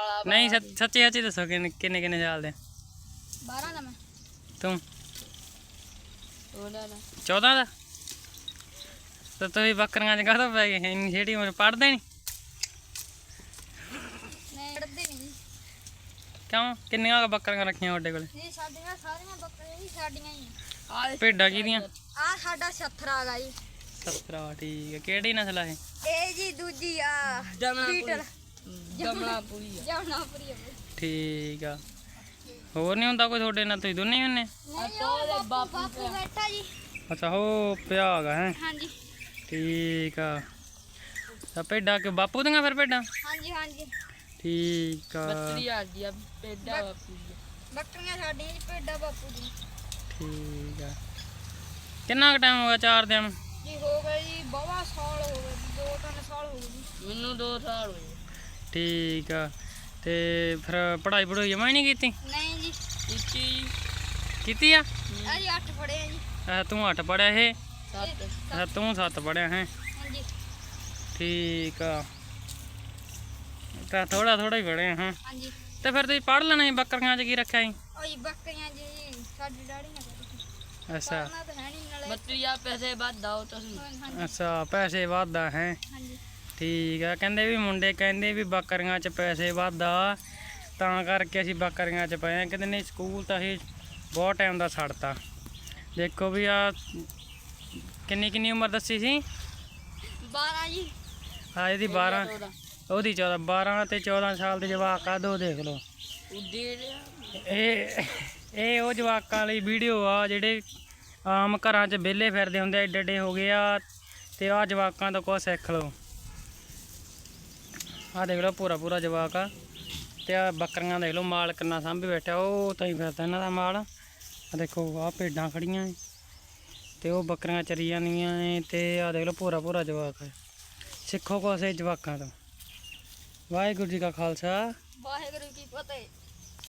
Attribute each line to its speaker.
Speaker 1: नहीं सच्ची सच्ची दसो किन्ने किन्ने साल दे
Speaker 2: 12 ਦਾ ਮੈਂ
Speaker 1: तू
Speaker 2: 14 ਦਾ
Speaker 1: 14 ਦਾ तो तुम बकरियां च काहतों पै गए इन्नी छेड़ी उम्र पढ़दे नहीं
Speaker 2: ਨਹੀਂ ਪੜਦੇ ਨਹੀਂ ਜੀ
Speaker 1: क्यों किन्नियां बकरियां रखियां ओडे कोल
Speaker 2: ਜੀ ਸਾਡੀਆਂ ਸਾਰੀਆਂ ਬੱਕਰੀਆਂ ਜੀ ਸਾਡੀਆਂ ਹੀ ਆ
Speaker 1: भेडां किहदियां
Speaker 2: ਆ ਸਾਡਾ ਛੱਥਰਾ ਹੈਗਾ ਜੀ
Speaker 1: 17 ठीक है केड़ी नस्ल है
Speaker 2: ਇਹ ਜੀ ਦੂਜੀ ਆ ਜਮਨਾਪੁਰੀ ਜਮਨਾਪੁਰੀ
Speaker 1: ठीक है होर नहीं हुंदा कोई थोड़े नाल तुसीं दोने ही हुन्ने
Speaker 2: ਨਹੀਂ ਉਹ ਬਾਪੂ ਬੈਠਾ ਜੀ
Speaker 1: अच्छा हो पिया है हैं
Speaker 2: ਹਾਂਜੀ
Speaker 1: ठीक है तो भेडां के बापू दियां फिर भेडां
Speaker 2: ਹਾਂਜੀ ਹਾਂਜੀ
Speaker 1: ठीक है
Speaker 2: ਬੱਕਰੀਆਂ ਬਾਪੂ ਦੀ ਬੱਕਰੀਆਂ ਸਾਡੀਆਂ ਜੀ ਭੇਡਾਂ ਬਾਪੂ ਦੀ
Speaker 1: ठीक है कितना टाइम हो गया चार दिन
Speaker 2: ਜੀ ਹੋ ਗਏ ਜੀ ਬਹੁਤ ਸਾਲ ਹੋ ਗਏ 2-3 ਸਾਲ ਹੋ ਗਏ ਜੀ ਮੈਨੂੰ 2 ਸਾਲ ਹੋ ਗਏ
Speaker 1: ठीक है ते फिर पढ़ाई पढ़ाई जमा ही नहीं की
Speaker 2: ਨਹੀਂ ਜੀ
Speaker 1: ਕੀਤੀ ਆ
Speaker 2: ਜੀ 8 ਪੜ੍ਹੇ ਆ ਜੀ
Speaker 1: तू 8 पढ़िया है
Speaker 2: 7
Speaker 1: तू 7 पढ़िया है
Speaker 2: ਹਾਂਜੀ
Speaker 1: ठीक आ तो थोड़ा थोड़ा ही पढ़े हैं
Speaker 2: ਹਾਂਜੀ
Speaker 1: तो फिर तुम पढ़ लेना ही बकरियां च की रखा ही
Speaker 2: ਉਹ ਜੀ ਬੱਕਰੀਆਂ ਜੀ ਸਾਡੀ ਡਾੜੀ ਨਾ ਕਰੀ
Speaker 1: अच्छा
Speaker 2: ਪੜਨਾ ਤਾਂ ਹੈ ਨਹੀਂ ਨਾਲੇ
Speaker 3: ਬੱਕਰੀਆਂ ਪੈਸੇ ਵੱਧ ਆਓ ਤੁਸੀਂ
Speaker 2: ਹਾਂਜੀ
Speaker 1: अच्छा पैसे वादा है
Speaker 2: ਹਾਂਜੀ
Speaker 1: ठीक है कहते भी मुंडे कहते भी बकरियां च पैसे वादा ਤਾਂ ਕਰਕੇ ਅਸੀਂ ਬੱਕਰੀਆਂ ਚ ਪਏ ਆ ਕਹਿੰਦੇ ਨਹੀਂ ਸਕੂਲ ਤਾਂ ਅਸੀਂ ਬਹੁਤ ਟਾਈਮ ਦਾ ਛੱਡਤਾ ਦੇਖੋ ਵੀ ਆ ਕਿੰਨੀ ਉਮਰ ਦੱਸੀ ਸੀ
Speaker 2: 12 ਜੀ
Speaker 1: ਆ ਇਹਦੀ 12 ਉਹਦੀ 14 12 ਤੇ 14 ਸਾਲ ਦੇ ਜਵਾਕ ਆ ਦੋ ਦੇਖ ਲਓ ਇਹ ਉਹ ਜਵਾਕਾਂ ਲਈ ਵੀਡੀਓ ਆ ਜਿਹੜੇ ਆਮ ਘਰਾਂ 'ਚ ਵਿਹਲੇ ਫਿਰਦੇ ਹੁੰਦੇ ਏਡੇ ਏਡੇ ਹੋ ਗਏ ਆ ਤੇ ਆ ਜਵਾਕਾਂ ਤੋਂ ਕੁਛ ਸਿੱਖ ਲਓ ਆ ਦੇਖ ਲਓ ਪੂਰਾ ਜਵਾਕ ਆ ਤੇ ਆ ਬੱਕਰੀਆਂ ਦੇਖ ਲਓ ਮਾਲ ਕਿੰਨਾ ਸਾਂਭੀ ਬੈਠਾ ਉਹ ਤਾਂ ਹੀ ਫਿਰਦਾ ਇਹਨਾਂ ਦਾ ਮਾਲ ਆ ਦੇਖੋ ਆ ਭੇਡਾਂ ਖੜੀਆਂ ਏ ਤੇ ਉਹ ਬੱਕਰੀਆਂ ਚਰੀ ਜਾਂਦੀਆਂ ਏ ਤੇ ਆ ਦੇਖ ਲਓ ਪੂਰਾ ਜਵਾਕ ਹੈ ਸਿੱਖੋ ਕੁਛ ਇਹ ਜਵਾਕਾਂ ਤੋਂ ਵਾਹਿਗੁਰੂ ਜੀ ਕਾ ਖਾਲਸਾ
Speaker 2: ਵਾਹਿਗੁਰੂ ਕੀ ਫਤਿਹ।